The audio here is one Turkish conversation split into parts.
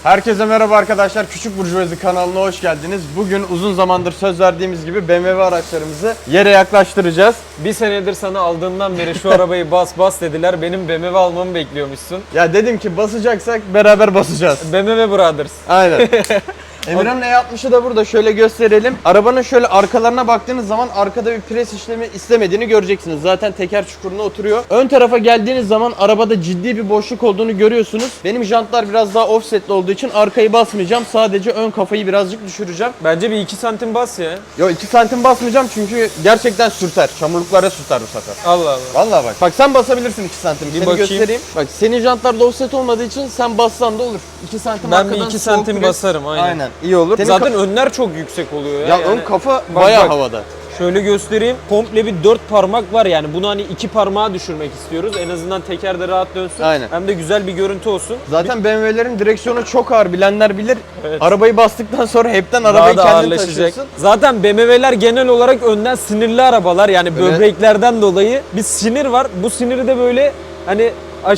Herkese merhaba arkadaşlar. Küçük Burjuvazi kanalına hoş geldiniz. Bugün uzun zamandır söz verdiğimiz gibi BMW araçlarımızı yere yaklaştıracağız. Bir senedir sana aldığından beri şu arabayı bas dediler. Benim BMW almamı bekliyormuşsun. Ya dedim ki basacaksak beraber basacağız. BMW Brothers. Aynen. Emirhan'ın E60'ı da burada, şöyle gösterelim. Arabanın şöyle arkalarına baktığınız zaman arkada bir pres işlemi istemediğini göreceksiniz. Zaten teker çukuruna oturuyor. Ön tarafa geldiğiniz zaman arabada ciddi bir boşluk olduğunu görüyorsunuz. Benim jantlar biraz daha offsetli olduğu için arkayı basmayacağım. Sadece ön kafayı birazcık düşüreceğim. Bence bir 2 santim bas ya. Yo 2 santim basmayacağım çünkü gerçekten sürter. Çamurluklara sürter bu sefer. Allah Allah. Vallahi bak. Bak sen basabilirsin 2 santim. Seni bakayım. göstereyim. Bak senin jantlarda offset olmadığı için sen bassan da olur. 2 santim Ben arkadan bir 2 soğuk santim pres- basarım aynen. Aynen. İyi olur. Senin Zaten önler çok yüksek oluyor ya. ya yani. ön kafa Bak, bayağı bak. havada. Şöyle göstereyim. Komple bir 4 parmak var yani. Bunu hani 2 parmağa düşürmek istiyoruz. En azından tekerde rahat dönsün. Aynen. Hem de güzel bir görüntü olsun. Zaten BMW'lerin direksiyonu çok ağır, bilenler bilir. Evet. Arabayı bastıktan sonra hepten Daha arabayı da kendin ağırlaşacak. taşıyorsun. Zaten BMW'ler genel olarak önden sinirli arabalar. Yani Evet. böbreklerden dolayı bir sinir var. Bu siniri de böyle hani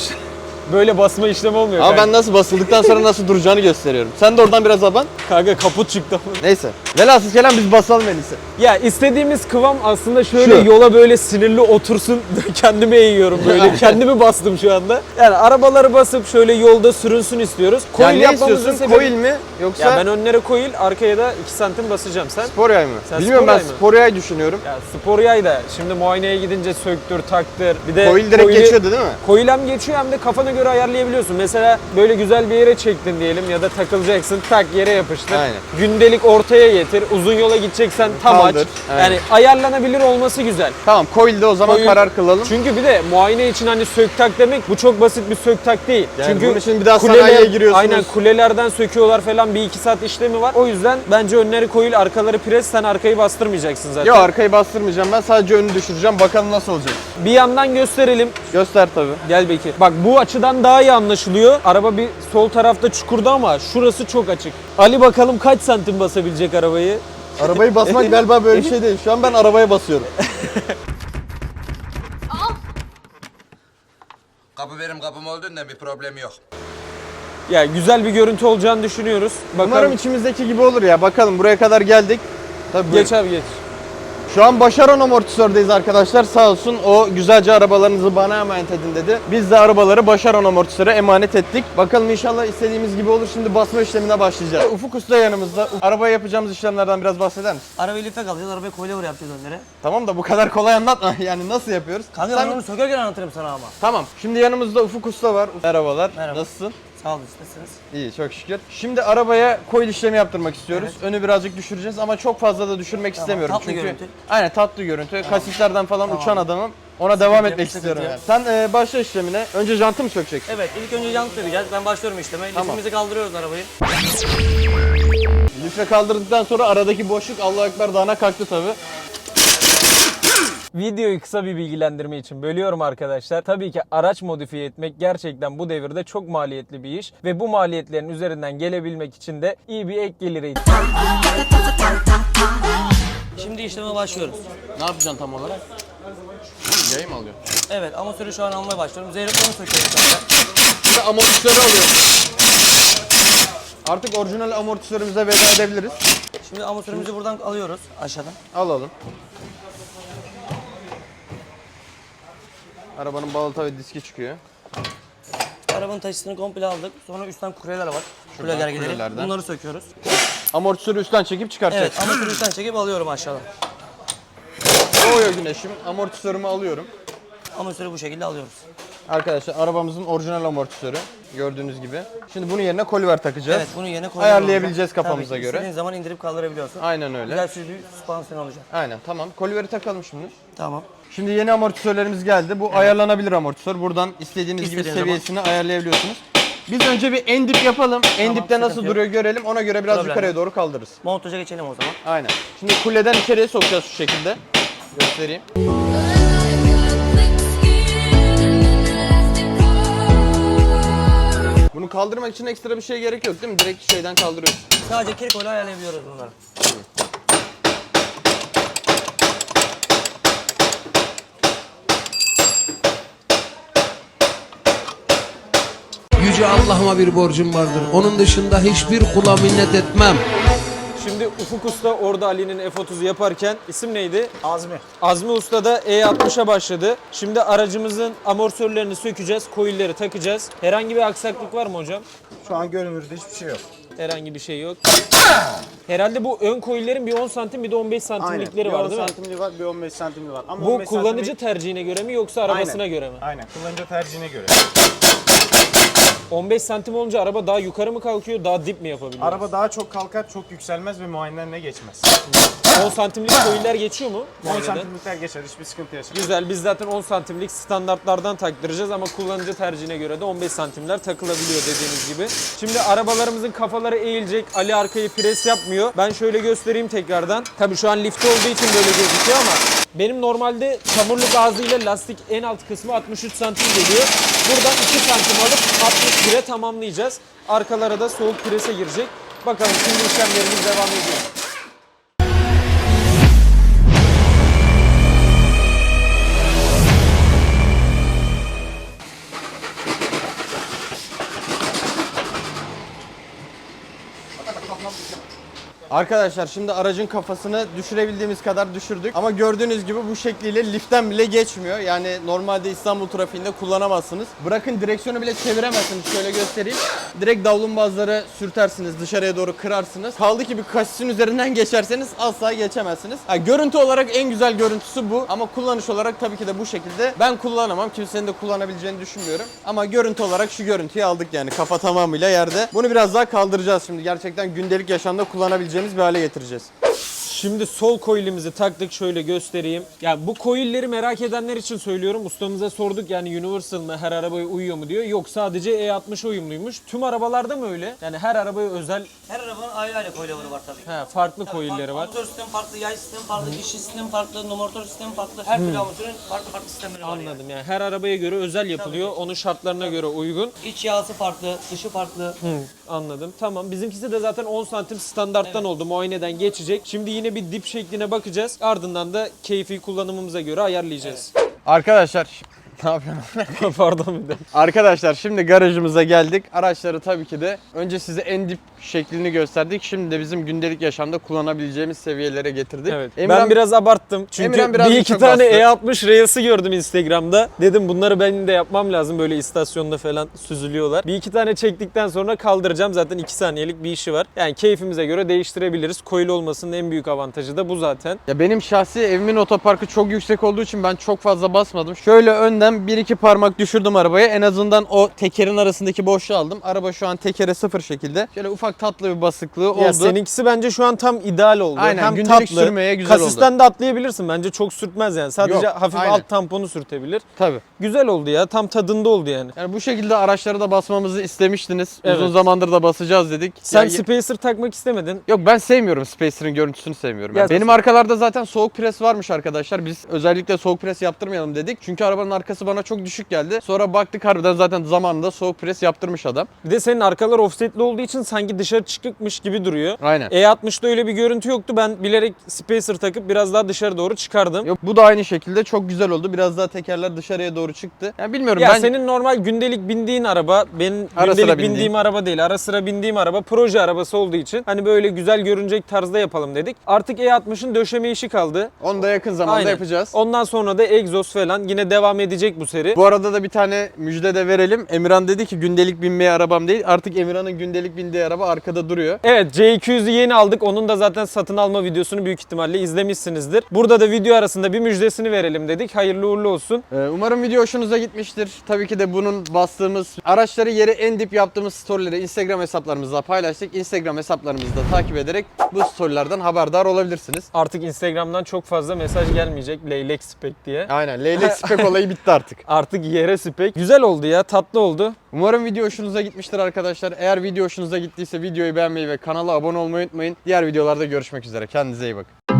böyle basma işlemi olmuyor. Ama kanka. ben nasıl basıldıktan sonra nasıl duracağını gösteriyorum. Sen de oradan biraz aban. Kanka kaput çıktı. Neyse. Velhasıl kelam biz basalım en iyisi. Ya istediğimiz kıvam aslında şöyle Şu. yola böyle sinirli otursun. Kendime eğiyorum böyle. Kendimi bastım şu anda. Yani arabaları basıp şöyle yolda sürünsün istiyoruz. Yani ne yapmamızın istiyorsun? sebebi- Coil mi? Yoksa Ya ben önlere coil, arkaya da 2 santim basacağım. Sen? spor yay mı? Sen Bilmiyorum, spor ben yay mı? spor yay düşünüyorum. Ya spor yay da şimdi muayeneye gidince söktür, taktır. Bir de Coil direkt coil'i- geçiyordu değil mi? Coil hem geçiyor hem de kafana göre ayarlayabiliyorsun. Mesela böyle güzel bir yere çektin diyelim ya da takılacaksın, tak yere yapıştır. Aynen. Gündelik ortaya getir. Uzun yola gideceksen tam Kaldır. aç. Aynen. Yani ayarlanabilir olması güzel. Tamam, coil'de o zaman Coil- karar kılalım. Çünkü bir de muayene için hani sök tak demek bu çok basit bir sök tak değil. Yani Çünkü bunun için bir daha sanayiye giriyorsunuz. Aynen, kulelerden söküyorlar falan, bir iki saat işlemi var. O yüzden bence önleri coil, arkaları pres, sen arkayı bastırmayacaksın zaten. Yok, arkayı bastırmayacağım, ben sadece önü düşüreceğim, bakalım nasıl olacak. Bir yandan gösterelim. Göster tabi. Gel Bekir. Bak bu açıdan daha iyi anlaşılıyor. Araba bir sol tarafta çukurda ama şurası çok açık. Ali bakalım kaç santim basabilecek arabayı? Arabayı basmak galiba böyle bir şey değil. Şu an ben arabaya basıyorum. Kapı benim kapım olduğunda bir problem yok. Ya güzel bir görüntü olacağını düşünüyoruz. Bakalım. Umarım içimizdeki gibi olur ya. Bakalım, buraya kadar geldik. Tabii Geç abi geç. Şu an Başaran Amortisör'deyiz arkadaşlar. Sağ olsun o güzelce arabalarınızı bana emanet edin dedi. Biz de arabaları Başaran Amortisör'e emanet ettik. Bakalım inşallah istediğimiz gibi olur. Şimdi basma işlemine başlayacağız. Ufuk Usta yanımızda. Arabaya yapacağımız işlemlerden biraz bahseder misin? Arabayı lifek alacağız, arabayı coilover yapacağız önlere. Tamam da bu kadar kolay anlatma. Yani nasıl yapıyoruz? Kanka Sen- ben onu sökerken anlatırım sana ama. Tamam. Şimdi yanımızda Ufuk Usta var. Merhabalar. Merhaba. Nasılsın? Sağ olun, nasılsınız? İyi, çok şükür. Şimdi arabaya coil işlemi yaptırmak istiyoruz. Önü birazcık düşüreceğiz ama çok fazla da düşürmek istemiyorum. tatlı Çünkü görüntü. Aynen, tatlı görüntü. Kasislerden falan uçan adamım. Ona devam yok, etmek sıkıntı istiyorum yok. yani. Sen başla işlemine. Önce jantı mı sökeceksin? Evet, ilk önce jant sökeceğiz. Ben başlıyorum işleme. Tamam. Lifimizi kaldırıyoruz arabayı. Lifle kaldırdıktan sonra aradaki boşluk Allahu Ekber dağına kalktı tabi. Videoyu kısa bir bilgilendirme için bölüyorum arkadaşlar. Tabii ki araç modifiye etmek gerçekten bu devirde çok maliyetli bir iş. Ve bu maliyetlerin üzerinden gelebilmek için de iyi bir ek gelire Şimdi işleme başlıyoruz. Ne yapacaksın tam olarak? Yayı mı alıyor? Evet, amortisörü şu an almaya başlıyorum. Zeyroklarını söküyoruz kanka. Şimdi amortisörü alıyorum. Artık orijinal amortisörümüze veda edebiliriz. Şimdi amortisörümüzü buradan alıyoruz aşağıdan. Alalım. Arabanın balata ve diski çıkıyor. Arabanın taşısını komple aldık. Sonra üstten kuryeler var. Kurye gergeleri. kuryelerden. Bunları söküyoruz. Amortisörü üstten çekip çıkartacağız. Evet, amortisörü üstten çekip alıyorum aşağıdan. Doğuyor güneşim. Amortisörümü alıyorum. Amortisörü bu şekilde alıyoruz. Arkadaşlar arabamızın orijinal amortisörü. Gördüğünüz gibi. Şimdi bunun yerine koliver takacağız. Evet, bunu yerine Ayarlayabileceğiz koyuyoruz. kafamıza Tabii ki, göre. İstediğin zaman indirip kaldırabiliyorsun. Aynen öyle. Güzel sürücü bir süspansiyon olacak. Aynen, tamam. Koliveri takalım şimdi. Tamam. Şimdi yeni amortisörlerimiz geldi. Bu ayarlanabilir amortisör. Buradan istediğiniz gibi İstediğiniz seviyesini ayarlayabiliyorsunuz. Biz önce bir en dip yapalım. En dipte sıkıntı nasıl yok. duruyor görelim. Ona göre biraz Problem yukarıya yok. doğru kaldırırız. Montaja geçelim o zaman. Aynen. Şimdi kuleden içeriye sokacağız şu şekilde. Göstereyim. Bunu kaldırmak için ekstra bir şey gerek yok değil mi? Direkt şeyden kaldırıyoruz. Sadece kirkoyla ayarlayabiliyoruz bunları. Yüce Allah'ıma bir borcum vardır. Onun dışında hiçbir kula minnet etmem. Şimdi Ufuk Usta orada Ali'nin F30'u yaparken isim neydi? Azmi. Azmi Usta da E60'a başladı. Şimdi aracımızın amortisörlerini sökeceğiz, coil'leri takacağız. Herhangi bir aksaklık var mı hocam? Şu an görünürde hiçbir şey yok. Herhangi bir şey yok. Herhalde bu ön coil'lerin bir 10 santim bir de 15 santimlikleri var değil mi? Bir 10 santimli var, bir 15 santimli var. Ama Bu 15 kullanıcı santimlik- tercihine göre mi yoksa arabasına göre mi? Aynen, kullanıcı tercihine göre. 15 santim olunca araba daha yukarı mı kalkıyor, daha dip mi yapabiliyor? Araba daha çok kalkar, çok yükselmez ve muayenelerine geçmez. 10 santimlik coil'ler geçiyor mu? 10 muayeneden? santimlikler geçer, hiçbir sıkıntı yaşamaz. Güzel, biz zaten 10 santimlik standartlardan taktıracağız ama kullanıcı tercihine göre de 15 santimler takılabiliyor dediğiniz gibi. Şimdi arabalarımızın kafaları eğilecek, Ali arkayı pres yapmıyor. Ben şöyle göstereyim tekrardan. Tabii şu an lifte olduğu için böyle gözüküyor ama benim normalde çamurlu gazıyla lastik en alt kısmı 63 santim geliyor. Buradan 2 santim alıp 61'e tamamlayacağız. Arkalara da soğuk prese girecek. Bakalım şimdi işlemlerimiz devam ediyor. Arkadaşlar şimdi aracın kafasını düşürebildiğimiz kadar düşürdük. Ama gördüğünüz gibi bu şekliyle liften bile geçmiyor. Yani normalde İstanbul trafiğinde kullanamazsınız. Bırakın direksiyonu bile çeviremezsiniz. Şöyle göstereyim. Direkt davlumbazları sürtersiniz, dışarıya doğru kırarsınız. Kaldı ki bir kasisin üzerinden geçerseniz asla geçemezsiniz. Görüntü olarak en güzel görüntüsü bu. Ama kullanış olarak tabii ki de bu şekilde. Ben kullanamam. Kimsenin de kullanabileceğini düşünmüyorum. Ama görüntü olarak şu görüntüyü aldık yani. Kafa tamamıyla yerde. Bunu biraz daha kaldıracağız şimdi. Gerçekten gündelik yaşamda kullanabileceğimiz bir hale getireceğiz. Şimdi sol coil'imizi taktık, şöyle göstereyim. Yani bu coil'leri merak edenler için söylüyorum. Ustamıza sorduk yani Universal mı, her arabaya uyuyor mu diyor. Yok, sadece E60 uyumluymuş. Tüm arabalarda mı öyle? Yani her arabaya özel Her arabanın ayrı ayrı coil'leri var tabii. farklı coil'leri var. Motor sistemi farklı, yay sistemi farklı, dişli sistemi farklı, motor sistemi farklı. Her türlü amatörün farklı farklı sistemleri var yani. Anladım, yani her arabaya göre özel yapılıyor. Onun şartlarına göre uygun. İç yağısı farklı, dışı farklı. Anladım. Tamam. Bizimkisi de zaten 10 santim standarttan oldu. Muayeneden geçecek. Şimdi yine bir dip şekline bakacağız. Ardından da keyfi kullanımımıza göre ayarlayacağız. Arkadaşlar ne yapıyorsun? Pardon bir de. Arkadaşlar şimdi garajımıza geldik. Araçları tabii ki de önce size en dip şeklini gösterdik. Şimdi de bizim gündelik yaşamda kullanabileceğimiz seviyelere getirdik. Evet. Emirhan, Ben biraz abarttım. Çünkü Emirhan biraz bir iki çok tane bastı. E60 Reels'i gördüm Instagram'da. Dedim bunları benim de yapmam lazım. Böyle istasyonda falan süzülüyorlar. Bir iki tane çektikten sonra kaldıracağım. Zaten 2 saniyelik bir işi var. Yani keyfimize göre değiştirebiliriz. Coil olmasının en büyük avantajı da bu zaten. ya benim şahsi evimin otoparkı çok yüksek olduğu için ben çok fazla basmadım. Şöyle önden 1-2 parmak düşürdüm arabaya. En azından o tekerin arasındaki boşluğu aldım. Araba şu an tekere sıfır şekilde. Şöyle ufak tatlı bir basıklığı oldu. Ya seninkisi bence şu an tam ideal oldu. Aynen, Hem gündelik tatlı, sürmeye güzel kasisten de atlayabilirsin. Bence çok sürtmez yani. Sadece Yok, hafif aynen. alt tamponu sürtebilir. Tabii. Güzel oldu ya. Tam tadında oldu yani. Yani bu şekilde araçları da basmamızı istemiştiniz. Evet. Uzun zamandır da basacağız dedik. Sen Ya- spacer takmak istemedin. Yok, ben sevmiyorum Spacer'ın görüntüsünü sevmiyorum. Ya- Benim arkalarda zaten soğuk pres varmış arkadaşlar. Biz özellikle soğuk pres yaptırmayalım dedik. Çünkü arabanın arkası bana çok düşük geldi. Sonra baktık harbiden zaten zamanında soğuk pres yaptırmış adam. Bir de senin arkalar offsetli olduğu için sanki dışarı çıkıkmış gibi duruyor. Aynen. E60'da öyle bir görüntü yoktu. Ben bilerek spacer takıp biraz daha dışarı doğru çıkardım. Yok, bu da aynı şekilde çok güzel oldu. Biraz daha tekerler dışarıya doğru çıktı. Yani bilmiyorum Ya ben senin normal gündelik bindiğin araba, benim Ara sıra gündelik bindiğim. bindiğim araba değil. Ara sıra bindiğim araba proje arabası olduğu için hani böyle güzel görünecek tarzda yapalım dedik. Artık E60'ın döşeme işi kaldı. onu da yakın zamanda Aynen. yapacağız. Ondan sonra da egzoz falan yine devam edecek bu seri. Bu arada da bir tane müjde de verelim. Emirhan dedi ki gündelik binmeye arabam değil. Artık Emirhan'ın gündelik bindiği araba arkada duruyor. Evet, C200'ü yeni aldık. Onun da zaten satın alma videosunu büyük ihtimalle izlemişsinizdir. Burada da video arasında bir müjdesini verelim dedik. Hayırlı uğurlu olsun. Umarım video hoşunuza gitmiştir. Tabii ki de bunun bastığımız araçları yere en dip yaptığımız storyleri Instagram hesaplarımızda paylaştık. Instagram hesaplarımızı da takip ederek bu storylerden haberdar olabilirsiniz. Artık Instagram'dan çok fazla mesaj gelmeyecek leylek spek diye. Aynen, leylek spek olayı bitti artık. Artık yere spek. Güzel oldu ya, tatlı oldu. Umarım video hoşunuza gitmiştir arkadaşlar. Eğer video hoşunuza gittiyse videoyu beğenmeyi ve kanala abone olmayı unutmayın. Diğer videolarda görüşmek üzere. Kendinize iyi bakın.